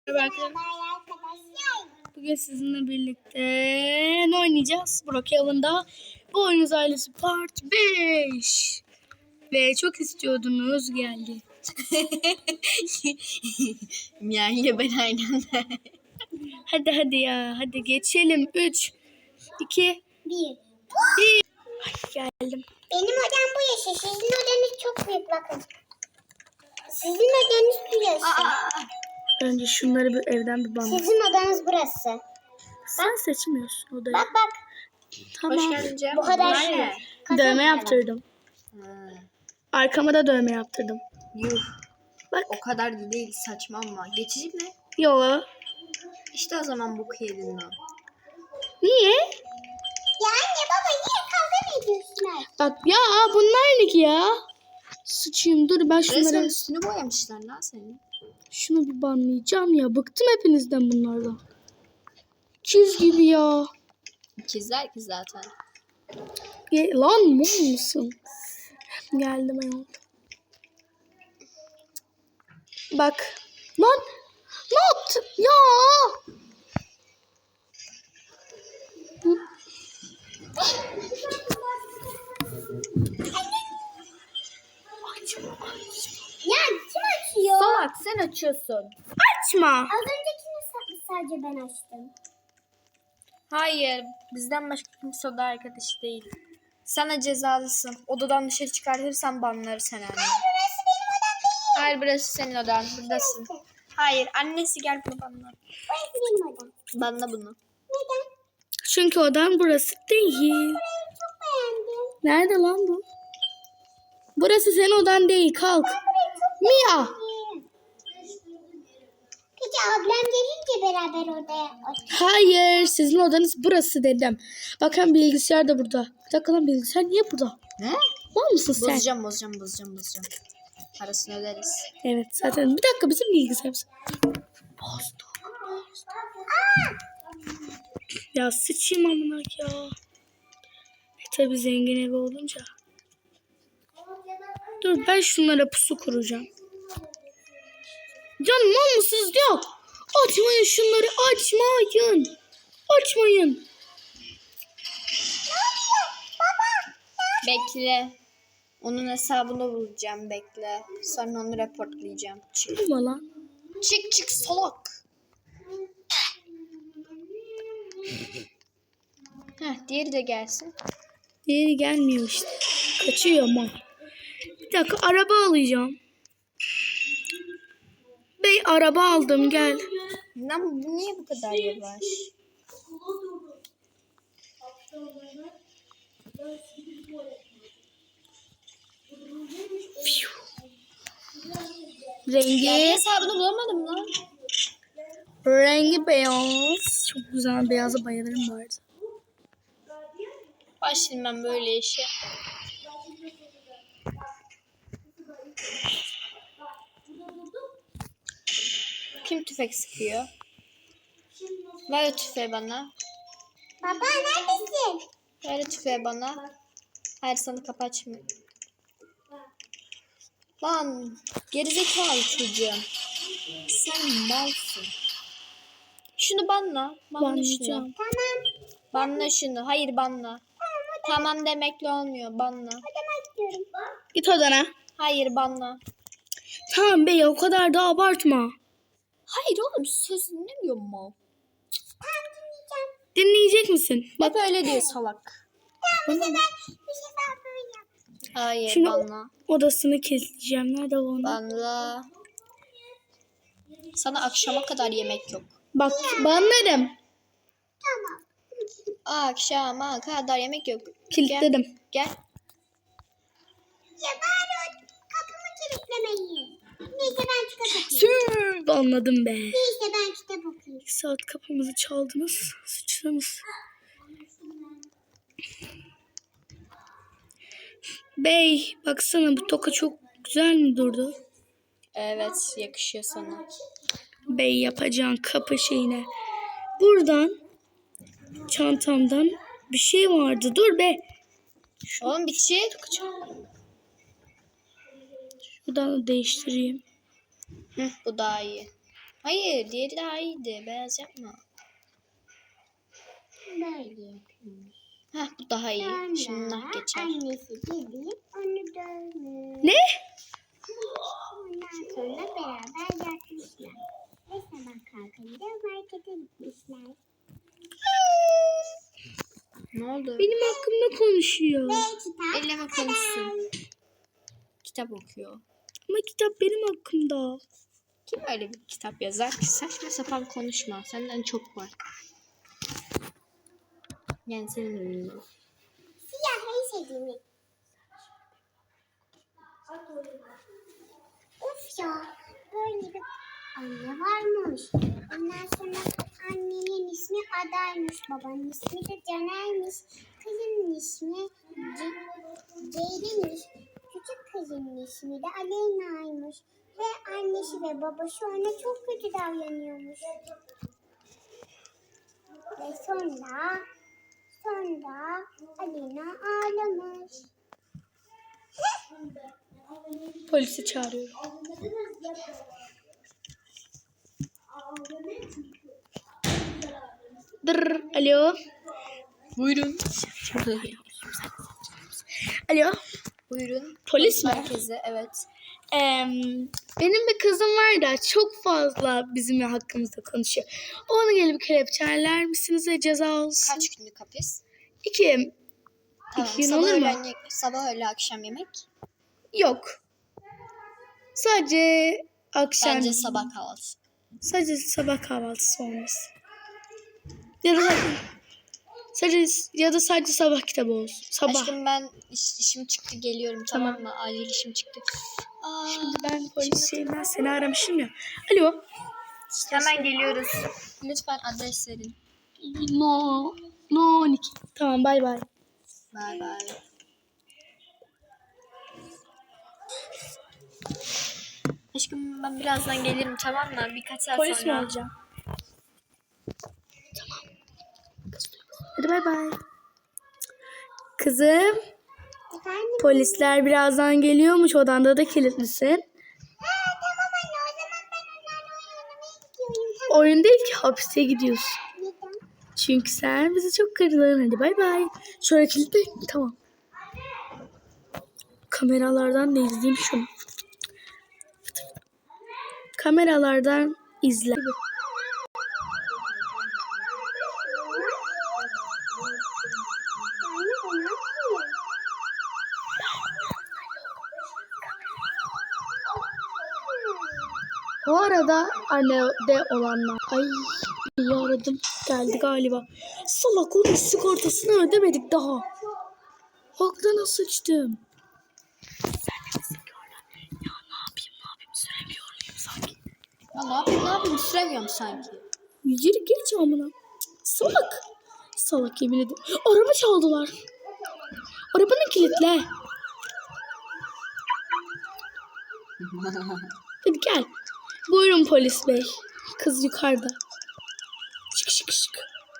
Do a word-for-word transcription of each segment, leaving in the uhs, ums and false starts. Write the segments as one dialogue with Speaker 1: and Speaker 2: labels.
Speaker 1: Merhaba arkadaşlar. Bugün sizinle birlikte ne oynayacağız? Brookhaven'da Bu Oyunuz Ailesi Part beş. Ve çok istiyordunuz, geldi.
Speaker 2: Yani ben aynen.
Speaker 1: Hadi hadi ya, hadi geçelim. üç, iki,
Speaker 3: Bir.
Speaker 1: bir. Ay, geldim.
Speaker 3: Benim odam bu yaşı. Sizin odanız çok büyük bakın. Sizin odanız bu yaşı.
Speaker 1: Önce şunları bir evden bir bana.
Speaker 3: Sizin odanız burası.
Speaker 1: Sen seçmiyorsun odayı.
Speaker 3: Bak bak.
Speaker 1: Tamam.
Speaker 2: Hoş geldin Cem.
Speaker 3: Bu kadar
Speaker 2: Bunlar
Speaker 3: şey.
Speaker 2: ne?
Speaker 1: Dövme yaptırdım.
Speaker 2: Ha,
Speaker 1: Arkama da dövme yaptırdım.
Speaker 2: yuh.
Speaker 1: Bak.
Speaker 2: O kadar da değil, saçma ama. Geçici mi?
Speaker 1: Yo.
Speaker 2: İşte o zaman bu kıyırından.
Speaker 1: Niye?
Speaker 3: Ya anne baba niye kavga mı ediyorsunuz?
Speaker 1: Bak ya, bunlar ne ki ya? Sıçayım, dur ben
Speaker 2: Resmen
Speaker 1: şunları...
Speaker 2: üstünü boyamışlar lan senin.
Speaker 1: Şunu bir banlayacağım ya. Bıktım hepinizden bunlardan. Çiz gibi ya.
Speaker 2: İkizler ki zaten.
Speaker 1: Ge- Lan mum musun? Geldim ayol. Bak. Lan. Ne yaptın? Ya.
Speaker 3: Ya kim açıyor?
Speaker 2: Salak, sen açıyorsun.
Speaker 1: Açma.
Speaker 3: Az öncekini sa- sadece ben açtım.
Speaker 2: Hayır, bizden başka kimse oda arkadaşı değil. Sana cezalısın. Odadan dışarı çıkartırsan banları sen anne.
Speaker 3: Burası benim odam değil.
Speaker 2: Hayır, burası senin odan. Buradasın. Hayır, annesi gel bunu banla.
Speaker 3: Burası benim odam.
Speaker 2: Banla bunu.
Speaker 3: Neden?
Speaker 1: Çünkü odan burası değil.
Speaker 3: Burayı çok beğendim.
Speaker 1: Nerede lan bu? Burası senin odan değil. Kalk. Mia.
Speaker 3: Peki ablam gelince beraber odaya oturalım.
Speaker 1: Hayır. Sizin odanız burası dedim. Bakın bilgisayar da burada. Bir dakika lan, bilgisayar niye burada?
Speaker 2: Ne?
Speaker 1: Var mısın sen?
Speaker 2: Bozacağım, bozacağım, bozacağım, bozacağım. Parasını öderiz.
Speaker 1: Evet zaten. Bir dakika, bizim bilgisayarımız. Bozduk. Ya sıçayım amına ya. E tabi zengin evi olunca. Dur ben şunlara pusu kuracağım. Canım olmasız yok. Açmayın şunları, açmayın. Açmayın.
Speaker 2: Bekle. Onun hesabını bulacağım, bekle. Sonra onu reportlayacağım. Çık.
Speaker 1: Durma lan.
Speaker 2: Çık çık salak. Heh, diğeri de gelsin.
Speaker 1: Diğeri gelmiyor işte. Kaçıyor ama. Bir dakika, araba alacağım. Bey araba aldım, gel.
Speaker 2: Lan bu niye bu kadar yavaş?
Speaker 1: Rengi.
Speaker 2: Ya bir hesabını bulamadım lan.
Speaker 1: Rengi beyaz. Çok güzel, beyaza bayılırım bu arada.
Speaker 2: Başlayayım ben böyle işe. Kim tüfek sıkıyor? Ver o tüfeği bana.
Speaker 3: Baba neredesin?
Speaker 2: Ver o tüfeği bana. Hayır, sana kapı açmıyor. Lan gerizekalı çocuğum. Sen malsın. Şunu banla. Banla şunu.
Speaker 1: Banlayacağım.
Speaker 3: Tamam.
Speaker 2: Banla şunu. Hayır banla. Tamam demekle olmuyor. Banla.
Speaker 3: Odama gidiyorum.
Speaker 1: Git odana.
Speaker 2: Hayır banla.
Speaker 1: Tamam bey, o kadar da abartma.
Speaker 2: Hayır oğlum, söz dinlemiyor mu?
Speaker 3: Tamam dinleyeceğim.
Speaker 1: Dinleyecek misin?
Speaker 2: Bak öyle diyor salak.
Speaker 3: Tamam bu sefer bir sefer böyle.
Speaker 2: Hayır
Speaker 1: Şimdi
Speaker 2: banla.
Speaker 1: odasını kilitleyeceğim. Nerede bu onu?
Speaker 2: Banla. Sana akşama kadar yemek yok.
Speaker 1: Bak banlarım.
Speaker 3: Tamam.
Speaker 2: Akşama kadar yemek yok.
Speaker 1: Kilitledim.
Speaker 2: Gel. Gel.
Speaker 3: Ya bari o kapımı kilitlemeyin. Neyse ben kitap okuyayım.
Speaker 1: Sür. Banladım be.
Speaker 3: Neyse ben kitap okuyayım.
Speaker 1: İki saat kapımızı çaldınız. Sıçtınız. Bey baksana, bu toka çok güzel mi durdu?
Speaker 2: Evet, yakışıyor sana.
Speaker 1: Bey yapacağın kapı şeyine. Buradan çantamdan bir şey vardı. Dur be.
Speaker 2: Oğlum bir şey.
Speaker 1: Şuradan da değiştireyim.
Speaker 2: Hı, bu daha iyi. Hayır, diğeri daha iyiydi. Beyaz yapma.
Speaker 3: Böyle yapıyormuş.
Speaker 2: Heh, bu daha iyi.
Speaker 3: Sonra
Speaker 2: Şimdi nah geçer.
Speaker 3: annesi gelip onu dövmüş.
Speaker 1: Ne?
Speaker 3: Ondan sonra beraber yatmışlar. Ve sabah kalkınca markete gitmişler.
Speaker 2: Ne oldu?
Speaker 1: Benim hakkımda konuşuyor.
Speaker 3: Ve kitap
Speaker 2: Elleme konuşsun. Kitap okuyor.
Speaker 1: Ama kitap benim hakkımda.
Speaker 2: Kim öyle bir kitap yazar ki? Saçma sapan konuşma. Senden çok var. Yani senin ünlü.
Speaker 3: siyah en sevdiğimi. Of ya, böyle bir anne varmış. Ondan sonra annenin ismi Adaymış, babanın ismi de Caner'miş. Kızının ismi Ce- Ceylin'miş. Küçük kızının ismi de Aleyna'ymış. Ve annesi ve babası ona çok kötü davranıyormuş. Ve sonra, sonra Aleyna ağlamış.
Speaker 1: Polisi çağırıyorum. Dır, alo.
Speaker 2: Buyurun.
Speaker 1: Alo.
Speaker 2: Buyurun.
Speaker 1: Polis mi?
Speaker 2: Merkezi, evet.
Speaker 1: Ee, benim bir kızım var da çok fazla bizim hakkımızda konuşuyor. Onu gelip kelepçeler misiniz ve ceza olsun?
Speaker 2: Kaç günlük hapis?
Speaker 1: İki.
Speaker 2: Tamam.
Speaker 1: İki gün
Speaker 2: Sabah
Speaker 1: olur mu?
Speaker 2: öğlen, ye- sabah öğle akşam yemek.
Speaker 1: Yok. Sadece akşam.
Speaker 2: Bence sabah kahvaltısı.
Speaker 1: Sadece sabah kahvaltısı olmaz. Ya da sadece ya da sadece sabah kitabı olsun. Sabah.
Speaker 2: Aşkım ben iş, işim çıktı geliyorum, tamam,
Speaker 1: Tamam.
Speaker 2: mı? Acil işim çıktı. Aa,
Speaker 1: Şimdi ben polis şeyinden seni aramışım ya. Alo.
Speaker 2: hemen geliyoruz. Lütfen adres verin.
Speaker 1: No. No on iki. Tamam bay bay.
Speaker 2: Bay bay. Aşkım ben birazdan gelirim, tamam mı? Birkaç saat
Speaker 1: Polis mi
Speaker 2: sonra.
Speaker 1: olacağım? Tamam. Hadi bay bay. Kızım.
Speaker 3: Efendim?
Speaker 1: Polisler birazdan geliyormuş. Odanda da kilitlisin.
Speaker 3: Ha, tamam anne, o zaman ben onlarla oynamaya gidiyorum. Tamam.
Speaker 1: Oyun değil ki, hapise gidiyorsun.
Speaker 3: Neden?
Speaker 1: Çünkü sen bizi çok kırdın. Hadi bay bay. Şöyle kilitle. Tamam. Kameralardan da izleyeyim şunu. Kameralardan izle.
Speaker 3: Anne, o ne yapıyor?
Speaker 1: Bu arada annede olanlar. Ay iyi aradım. Geldi galiba. Salak, onun sigortasını ödemedik daha. Haktan sıçtım. Ya ne yapayım ne yapayım süremiyor muyum sanki?
Speaker 2: Ya ne yapayım ne yapayım süremiyorum sanki.
Speaker 1: Yürü geç amına. Salak. Salak yemin ederim. Araba çaldılar. Arabanı kilitle. Hadi gel. Buyurun polis bey. Kız yukarıda. Şık şık şık.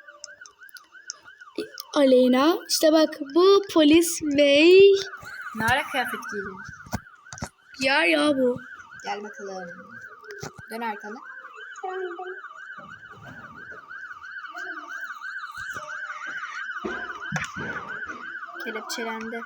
Speaker 1: Aleyna. İşte bak bu polis bey.
Speaker 2: Ne ara kıyafet giydin?
Speaker 1: Ya ya bu.
Speaker 2: Gel bakalım. Dön arkanı.
Speaker 3: Döndüm.
Speaker 2: Kelepçelendi.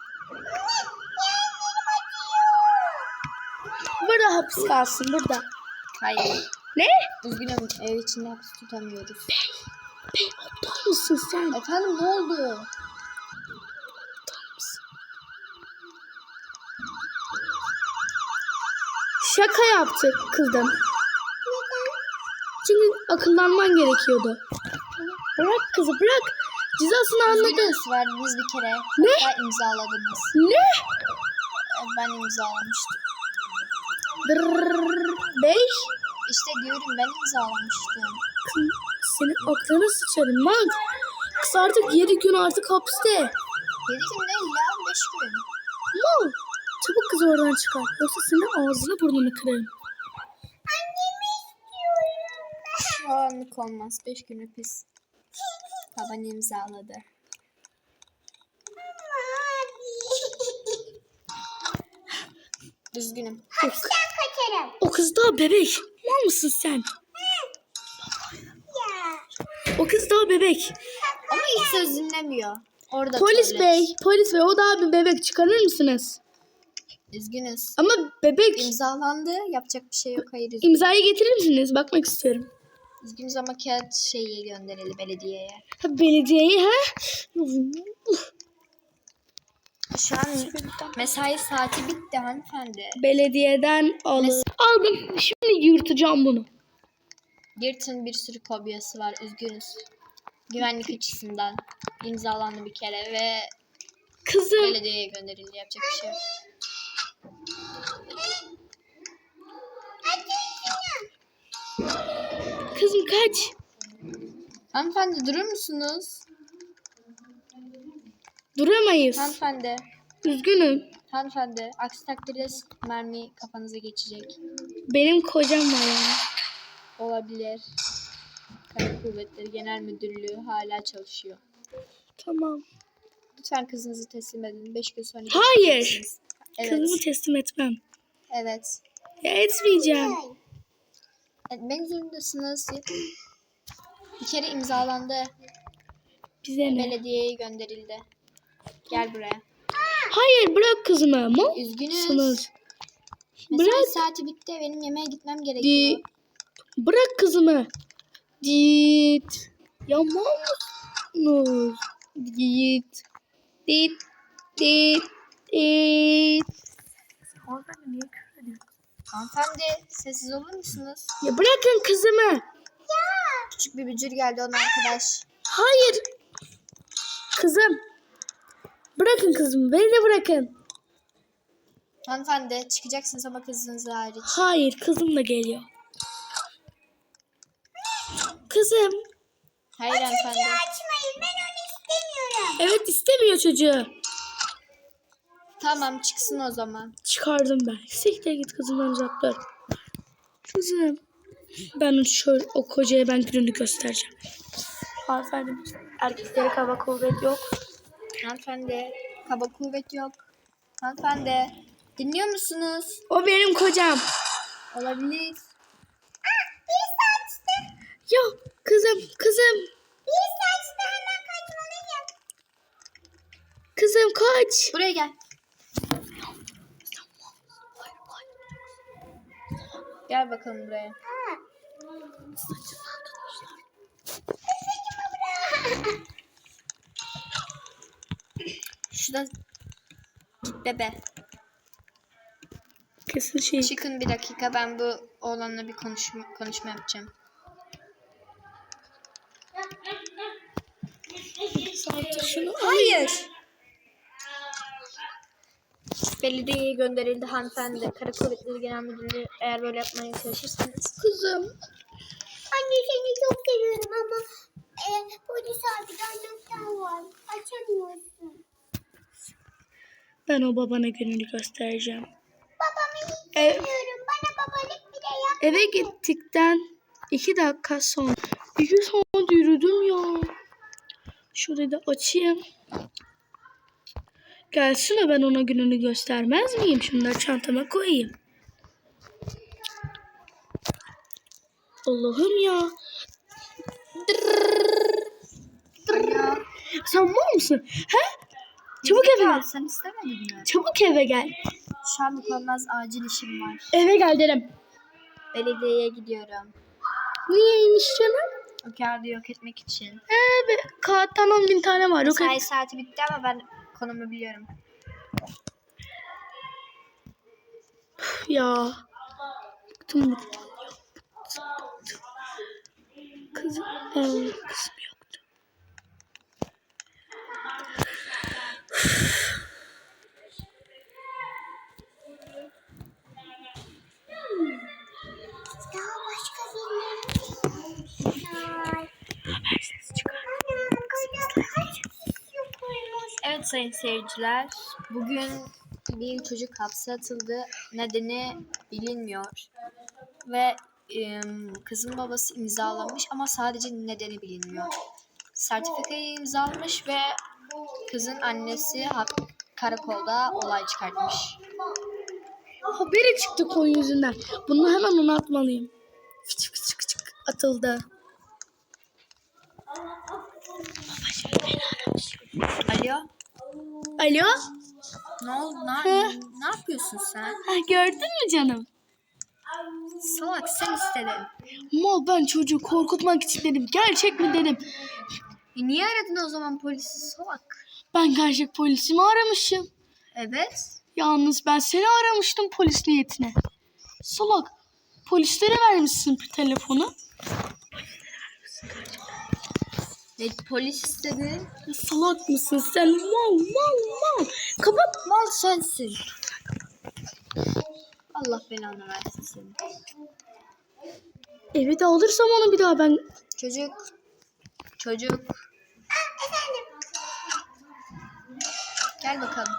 Speaker 1: Burada hapis kalsın burada.
Speaker 2: Hayır.
Speaker 1: Ne?
Speaker 2: Üzgünüm, ev içinde hapis tutamıyoruz.
Speaker 1: Bey aptal mısın sen?
Speaker 2: Efendim ne oldu?
Speaker 1: Aptal mısın? Şaka yaptık kızım. Çünkü akıllanman gerekiyordu. Bırak kızı bırak. Cezasını anladı.
Speaker 2: Üzgünüz, verdiniz bir kere.
Speaker 1: Ne?
Speaker 2: Hatta imzaladınız.
Speaker 1: Ne?
Speaker 2: E, Ben imzalamıştım.
Speaker 1: Dırrrr. Bey.
Speaker 2: İşte diyorum, ben imzalamıştım.
Speaker 1: Kız, senin aklına sıçarım lan. Kız artık yedi gün artık hapiste.
Speaker 2: Yedi gün değil ya, beş gün.
Speaker 1: Mal. Çabuk kızı oradan çıkar. Yoksa senin ağzını burnunu kırarım.
Speaker 2: Şu anlık olmaz. Beş gün hapis. Baban imzaladı. Üzgünüm.
Speaker 3: Hapisten kaçar atarım.
Speaker 1: O kız daha bebek. Mal mısın sen?
Speaker 3: Ya.
Speaker 1: O kız daha bebek.
Speaker 2: Ama hiç söz dinlemiyor. Orada
Speaker 1: Polis
Speaker 2: tuvalet.
Speaker 1: bey, polis bey o daha bir bebek, çıkarır mısınız?
Speaker 2: Üzgünüz.
Speaker 1: Ama bebek.
Speaker 2: İmzalandı. Yapacak bir şey yok. Hayır üzgünüz.
Speaker 1: İmzayı getirir misiniz? Bakmak istiyorum.
Speaker 2: Üzgünüz ama kağıt şeyi gönderildi belediyeye.
Speaker 1: Ha, belediyeye ha?
Speaker 2: Şu an mesai saati bitti hanımefendi.
Speaker 1: Belediyeden alın. Aldım. Şimdi yırtacağım bunu.
Speaker 2: Girt'in bir sürü fobiyası var. Üzgünüz. Güvenlik açısından imzalandı bir kere ve
Speaker 1: Kızım.
Speaker 2: belediyeye gönderildi. Yapacak bir şey yok.
Speaker 1: Kızım kaç.
Speaker 2: Hanımefendi durur musunuz?
Speaker 1: Duramayız.
Speaker 2: Hanımefendi.
Speaker 1: Üzgünüm.
Speaker 2: Hanımefendi. Aksi takdirde mermi kafanıza geçecek.
Speaker 1: Benim kocam var yani.
Speaker 2: Olabilir. Kara Kuvvetleri Genel Müdürlüğü hala çalışıyor.
Speaker 1: Tamam.
Speaker 2: Lütfen kızınızı teslim edin. Beş gün sonra
Speaker 1: Hayır.
Speaker 2: geleceksiniz. Evet.
Speaker 1: Kızımı teslim etmem.
Speaker 2: Evet.
Speaker 1: Ya etmeyeceğim.
Speaker 2: Etmek zorundasınız. Bir kere imzalandı.
Speaker 1: Bize ne?
Speaker 2: Belediyeye gönderildi. Gel buraya.
Speaker 1: Hayır bırak kızımı. Mal
Speaker 2: Üzgünüz.
Speaker 1: mısınız?
Speaker 2: Mesai
Speaker 1: Bırak.
Speaker 2: saati bitti. Benim yemeğe gitmem
Speaker 1: Di
Speaker 2: gerekiyor.
Speaker 1: bırak kızımı. Git. Ya mal mısınız? Git. Git. Git. Git.
Speaker 2: Hanımefendi sessiz olur musunuz?
Speaker 1: Ya bırakın kızımı.
Speaker 2: Küçük bir bücür geldi onun arkadaş.
Speaker 1: Hayır. Kızım. Bırakın kızımı. Beni de bırakın.
Speaker 2: Hanımefendi çıkacaksınız ama kızınız hariç.
Speaker 1: Hayır. Kızım da geliyor. Kızım.
Speaker 2: Hayır hanımefendi.
Speaker 3: Açmayın, ben onu istemiyorum.
Speaker 1: Evet istemiyor çocuğu.
Speaker 2: Tamam çıksın o zaman.
Speaker 1: Çıkardım ben. Siktir git kızımdan uzak dur. Kızım. Ben şöyle o kocaya ben gününü göstereceğim. Hanımefendi erkeklere kaba kuvvet yok.
Speaker 2: Hanımefendi kaba kuvvet yok. Hanımefendi dinliyor musunuz?
Speaker 1: O benim kocam.
Speaker 2: Olabilir.
Speaker 3: Bir saçtı.
Speaker 1: Ya kızım kızım.
Speaker 3: Bir saçtı, hemen kaçmalıyım.
Speaker 1: Kızım kaç.
Speaker 2: Buraya gel. Gel bakalım buraya. Şurada git bebe.
Speaker 1: Kesin şey.
Speaker 2: Çıkın bir dakika ben bu oğlanla bir konuşma, konuşma yapacağım.
Speaker 1: Şunu
Speaker 2: Hayır. Belediyeye gönderildi hanımefendi. Kara Kuvvetleri Genel Müdürlüğü eğer böyle yapmaya çalışırsanız.
Speaker 1: kızım.
Speaker 3: Anne seni çok seviyorum ama e, polis abi anahtar var. Açamıyorsun.
Speaker 1: Ben o babana gününü göstereceğim.
Speaker 3: Babamı hiç
Speaker 1: Ev,
Speaker 3: sevmiyorum. Bana babalık bile yap.
Speaker 1: eve gittikten iki dakika sonra. İki saat yürüdüm ya. Şurayı da açayım. Gelsin de ben ona gününü göstermez miyim? Şunları çantama koyayım. Allah'ım ya.
Speaker 2: Ya.
Speaker 1: Sen var mısın? He? Çabuk eve gel.
Speaker 2: Sen istemedin mi?
Speaker 1: Çabuk eve gel.
Speaker 2: Şu anlık olmaz acil işim var.
Speaker 1: Eve gel derim.
Speaker 2: Belediyeye gidiyorum.
Speaker 1: Niyeymiş canım?
Speaker 2: O kağıdı yok etmek için.
Speaker 1: Ee, be, kağıttan on bin tane var. Yok
Speaker 2: Mesai
Speaker 1: et.
Speaker 2: saati bitti ama ben konumu biliyorum.
Speaker 1: Ya. Bıktım bıktım. Kızım. Ee, kızım yoktu.
Speaker 3: Daha başka birileri var.
Speaker 1: Her ses çıkar.
Speaker 3: Anam kızım kaç kişi koymuş.
Speaker 2: Evet sayın seyirciler. Bugün bir çocuk hapse atıldı. Nedeni bilinmiyor. Ve ım, kızın babası imzalamış ama sadece nedeni bilinmiyor. Sertifikayı imzalamış ve kızın annesi hap- karakolda olay çıkartmış.
Speaker 1: haberi çıktı koyun yüzünden. Bunu hemen ona atmalıyım. Fıçık fıçık fıçık atıldı.
Speaker 2: Alo.
Speaker 1: Alo?
Speaker 2: Ne oldu? Ne, ne yapıyorsun sen?
Speaker 1: Ha, gördün mü canım?
Speaker 2: Salak sen istedin.
Speaker 1: Mal ben çocuğu korkutmak için dedim. Gerçek mi dedim.
Speaker 2: E niye aradın o zaman polisi salak?
Speaker 1: Ben gerçek polisimi aramışım.
Speaker 2: Evet.
Speaker 1: Yalnız ben seni aramıştım polis niyetine. Salak. Polislere vermişsin telefonu.
Speaker 2: E, polis istedi.
Speaker 1: Ya salak mısın sen? Mal mal mal. Kapat.
Speaker 2: Mal sensin. Allah belanı versin seni.
Speaker 1: Evi de alırsam onu bir daha ben...
Speaker 2: Çocuk. Çocuk. Gel bakalım.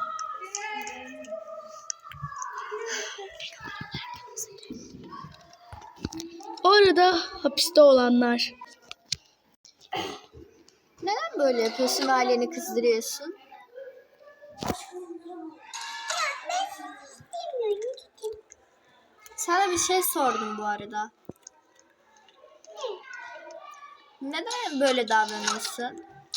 Speaker 1: Orada hapiste olanlar.
Speaker 2: Neden böyle yapıyorsun ve aileni kızdırıyorsun? Sana bir şey sordum bu arada. Neden böyle davranıyorsun?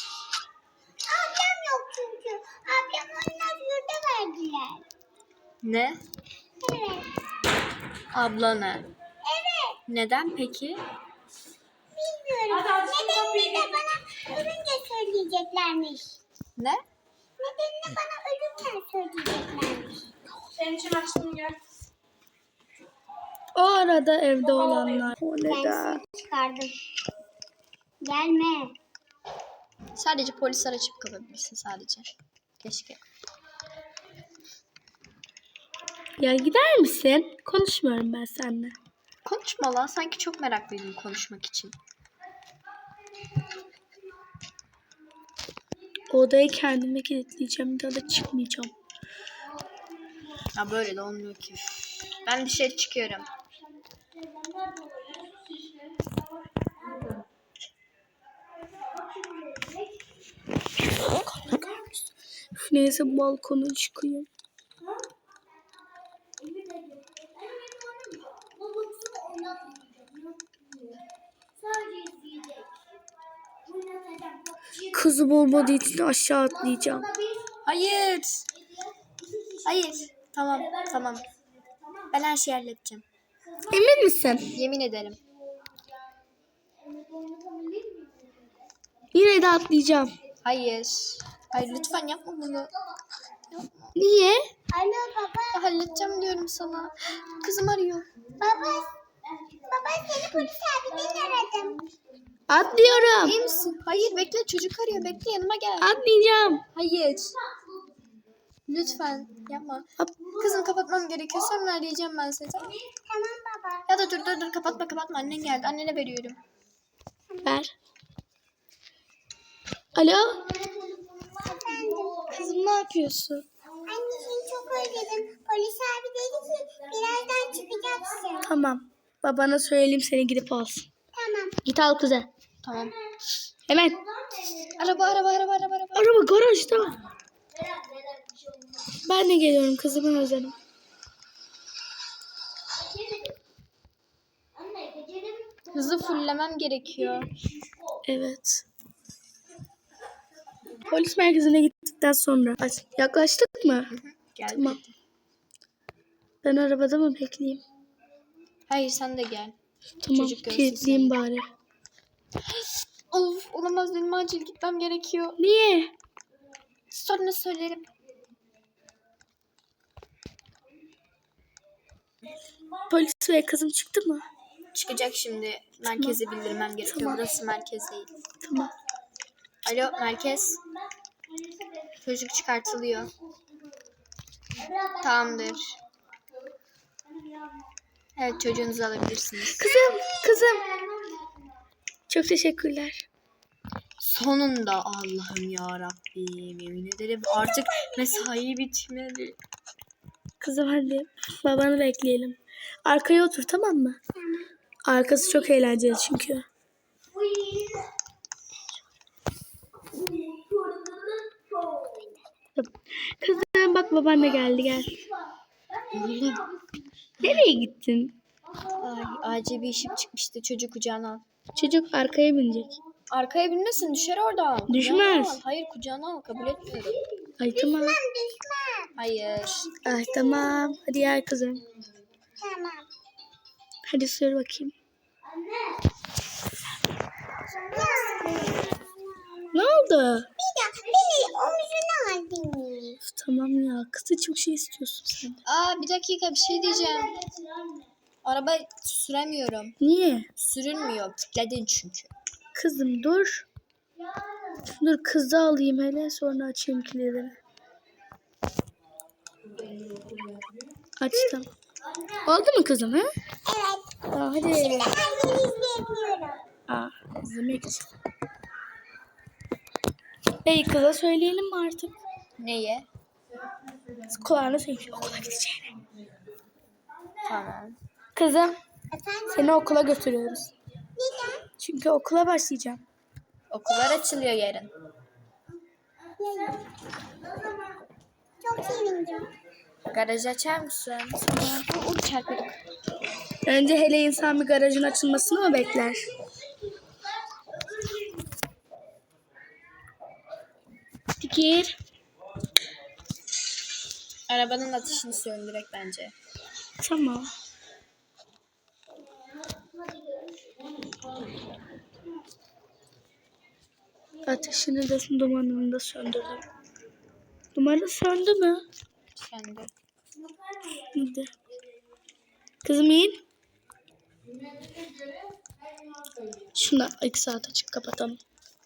Speaker 3: Ablam yok çünkü. Ablam onlar yurda verdiler.
Speaker 2: Ne?
Speaker 3: Evet.
Speaker 2: Ablana.
Speaker 3: Evet.
Speaker 2: Neden peki?
Speaker 3: Bilmiyorum. Nedenini de bana ölünce söyleyeceklermiş.
Speaker 2: Ne?
Speaker 3: Nedenini bana ölürken söyleyeceklermiş.
Speaker 4: Senin için açtım gel.
Speaker 1: O arada evde olanlar. O
Speaker 3: Ben
Speaker 1: neden?
Speaker 3: seni çıkardım. Gelme.
Speaker 2: Sadece polisler açıp kapatabilirsin sadece. Keşke.
Speaker 1: Ya gider misin? Konuşmuyorum ben seninle.
Speaker 2: Konuşma lan. Sanki çok meraklıydım konuşmak için.
Speaker 1: Odayı kendime kilitleyeceğim. Bir daha da çıkmayacağım.
Speaker 2: Ya böyle de olmuyor ki. Ben dışarı çıkıyorum.
Speaker 1: Üf, neyse balkona çıkayım. Kızım olmadığı için aşağı atlayacağım.
Speaker 2: Hayır. Hayır. Tamam. Tamam. Ben her şeyi halledeceğim.
Speaker 1: Emin misin?
Speaker 2: Yemin ederim.
Speaker 1: Yine de atlayacağım.
Speaker 2: Hayır. Hayır lütfen yapma bunu.
Speaker 1: Niye?
Speaker 3: Alo baba.
Speaker 2: Ya halledeceğim diyorum sana. Kızım arıyor.
Speaker 3: Baba. Baba seni polis abiden aradım.
Speaker 1: Atlıyorum.
Speaker 2: İyi misin? Hayır bekle çocuk arıyor. Bekle yanıma gel.
Speaker 1: Atlayacağım.
Speaker 2: Hayır. Lütfen yapma. Kızım kapatmam gerekiyor. Sonra arayacağım ben seni. Tamam.
Speaker 3: Tamam baba.
Speaker 2: Ya da dur dur dur kapatma kapatma. Annen geldi. Annene veriyorum.
Speaker 1: Ver. Alo.
Speaker 3: Efendim.
Speaker 1: Kızım ne yapıyorsun?
Speaker 3: Anne seni çok özledim. Polis abi dedi ki birazdan çıkacaksın.
Speaker 1: Tamam. Babana söyleyeyim seni gidip alsın.
Speaker 3: Tamam.
Speaker 1: Git al kızı.
Speaker 2: Tamam.
Speaker 1: Hemen.
Speaker 2: Araba araba araba araba araba.
Speaker 1: Araba garajda. Ben de geliyorum kızımı özledim.
Speaker 2: Hızı fullemem gerekiyor.
Speaker 1: Evet. Polis merkezine gittikten sonra. Ay, yaklaştık mı?
Speaker 2: Gel.
Speaker 1: Tamam. Ben arabada mı bekleyeyim?
Speaker 2: Hayır sen de gel.
Speaker 1: Tamam.
Speaker 2: Çocuk görsün
Speaker 1: Kilitleyeyim bari.
Speaker 2: Of olamaz benim acil gitmem gerekiyor.
Speaker 1: Niye?
Speaker 2: Sonra söylerim.
Speaker 1: Polis ve kızım çıktı mı?
Speaker 2: Çıkacak şimdi. Merkeze bildirmem gerekiyor.
Speaker 1: Tamam.
Speaker 2: Burası merkez değil.
Speaker 1: Tamam.
Speaker 2: Alo merkez. Çocuk çıkartılıyor. Tamamdır. Evet çocuğunuzu alabilirsiniz.
Speaker 1: Kızım, kızım. Çok teşekkürler.
Speaker 2: Sonunda Allah'ım ya Rabbim yemin ederim artık mesai bitmeli.
Speaker 1: Kızım hadi babanı bekleyelim. Arkaya otur tamam mı? Arkası çok eğlenceli çünkü. Kızım bak baban da geldi gel. Nereye gittin?
Speaker 2: Ay, acil bir işim çıkmıştı, çocuk kucağına al.
Speaker 1: Çocuk arkaya binecek.
Speaker 2: Arkaya binmesin, düşer oradan. Kucağına
Speaker 1: Düşmez.
Speaker 2: al. Hayır, kucağına al, kabul etmiyorum.
Speaker 1: Ay tamam.
Speaker 2: Hayır.
Speaker 1: Ay tamam. Hadi gel kızım.
Speaker 3: Tamam.
Speaker 1: Hadi sür bakayım. Ne oldu?
Speaker 3: Bir de beni omzuna aldın.
Speaker 1: Üf, tamam ya. Kızı çok şey istiyorsun sen de.
Speaker 2: Aa, bir dakika, bir şey diyeceğim. Araba süremiyorum.
Speaker 1: Niye?
Speaker 2: Sürünmüyor. Kilitledin çünkü.
Speaker 1: Kızım dur. Dur kızı alayım hele sonra açayım kilidini. Açtım. Oldu mu kızım ha?
Speaker 3: Evet.
Speaker 1: Aa, hadi.
Speaker 3: Ben yeni izleyemiyorum.
Speaker 1: Aa, izlemek için. Ey kıza söyleyelim mi artık?
Speaker 2: Neye?
Speaker 1: Kulağına söyleyeyim. Okula gideceğini.
Speaker 2: Tamam.
Speaker 1: Kızım
Speaker 3: Efendim?
Speaker 1: seni okula götürüyoruz.
Speaker 3: Neden?
Speaker 1: Çünkü okula başlayacağım.
Speaker 2: Okullar açılıyor yarın.
Speaker 3: Neden? Çok sevindim.
Speaker 2: Garajı açar mısın? Tamam. Uy, çarpıyorduk.
Speaker 1: Önce hele insan bir garajın açılmasını mı bekler? Gir.
Speaker 2: Arabanın ateşini söndürek bence.
Speaker 1: Tamam. Ateşini de dumanını da söndürdüm. Dumanı söndü mü?
Speaker 2: Söndü.
Speaker 1: Hadi. Kızım in. Şunu iki saat açık kapatalım.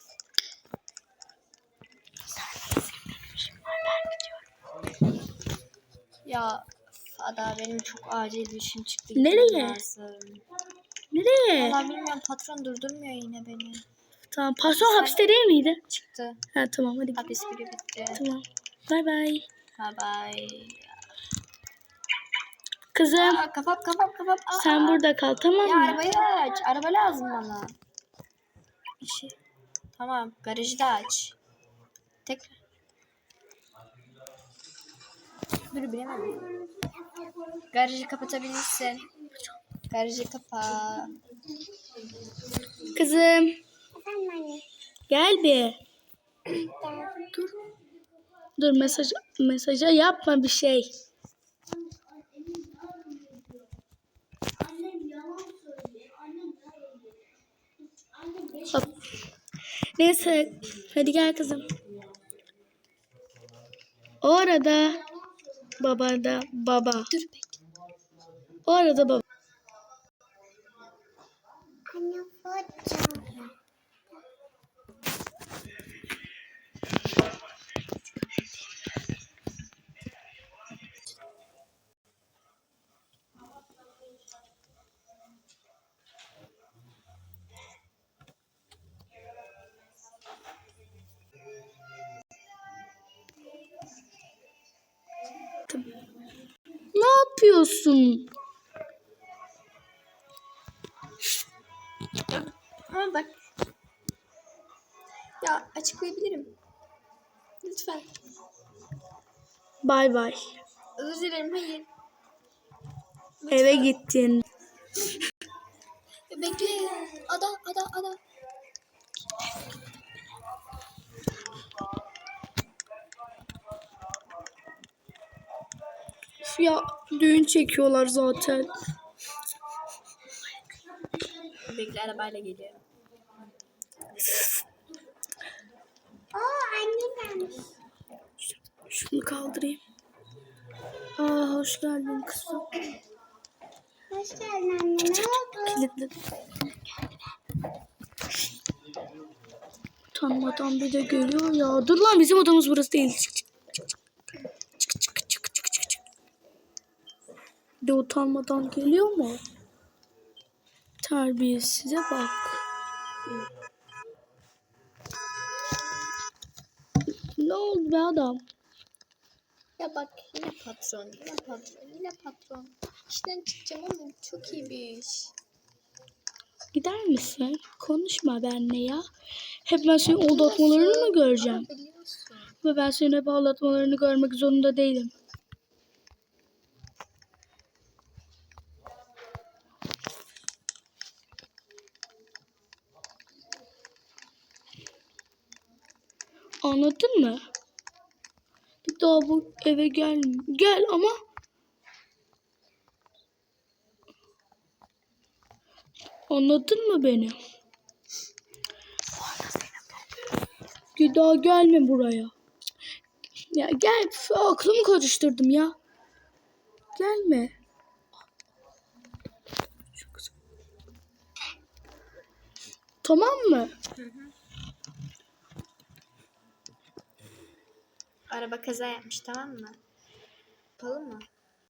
Speaker 2: Ya Ada, benim çok acil bir işim çıktı.
Speaker 1: Nereye?
Speaker 2: Gitmem lazım.
Speaker 1: Nereye?
Speaker 2: Valla bilmiyorum, patron durdurmuyor yine beni.
Speaker 1: Tamam. Patron hapiste değil miydi?
Speaker 2: Çıktı.
Speaker 1: Ha tamam hadi.
Speaker 2: Hapis biri bitti.
Speaker 1: Tamam. Bay bay.
Speaker 2: Bye bye.
Speaker 1: Kızım
Speaker 2: Aa, kafam kafam kafam. Aa,
Speaker 1: sen
Speaker 2: aa.
Speaker 1: burada kal tamam
Speaker 2: Ya
Speaker 1: mı?
Speaker 2: arabayı aç. Araba lazım bana. Bir şey. Tamam, garajı da aç. Tekrar. Dur, bilemedim. Garajı kapatabilirsin. Garajı kapa.
Speaker 1: Kızım
Speaker 3: Efendim anne.
Speaker 1: gel bir. Dur. Dur mesaj mesaja yapma bir şey. Hop. Neyse hadi gel kızım. Orada baba da baba.
Speaker 2: Dur bekle.
Speaker 1: Orada baba.
Speaker 3: Anne foto.
Speaker 1: Ne yapıyorsun?
Speaker 2: Ama bak. Ya açıklayabilirim. Lütfen.
Speaker 1: Bay bay.
Speaker 2: Özür dilerim, hayır.
Speaker 1: Eve gittin.
Speaker 2: Bekle. Ada, ada, ada.
Speaker 1: Ya düğün çekiyorlar zaten.
Speaker 2: Bekle, arabayla geliyorum.
Speaker 3: Oo anne gelmiş.
Speaker 1: Şunu kaldırayım. Aa hoş geldin kızım.
Speaker 3: Hoş geldin anne. Ne oldu?
Speaker 1: Kilitledim. Utanmadan bir de geliyor ya. Dur lan bizim odamız burası değil. Çık çık çık çık çık çık çık çık çık. Bir de utanmadan geliyor mu? Terbiyesize bak. Ne oldu be adam?
Speaker 2: Ya bak, yine patron, yine patron, yine patron. İşten çıkacağım ama çok iyi bir iş.
Speaker 1: Gider misin? Konuşma benimle ya. Hep ben senin aldatmalarını mı göreceğim?
Speaker 2: Ama biliyorsun.
Speaker 1: Ve ben senin hep aldatmalarını görmek zorunda değilim. Anladın mı? Bir daha bu eve gel. Gel ama anladın mı beni? Bir daha gelme buraya. Ya gel, aklımı karıştırdım ya. Gelme. Tamam mı?
Speaker 2: Araba kaza yapmış, tamam mı? Yapalım mı?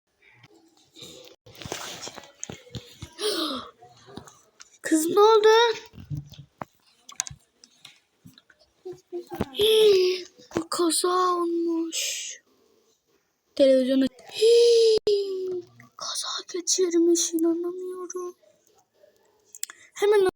Speaker 1: Kız ne oldu? Hii, bu kaza olmuş. Televizyona Hii, kaza geçirmiş, inanamıyorum. Hemen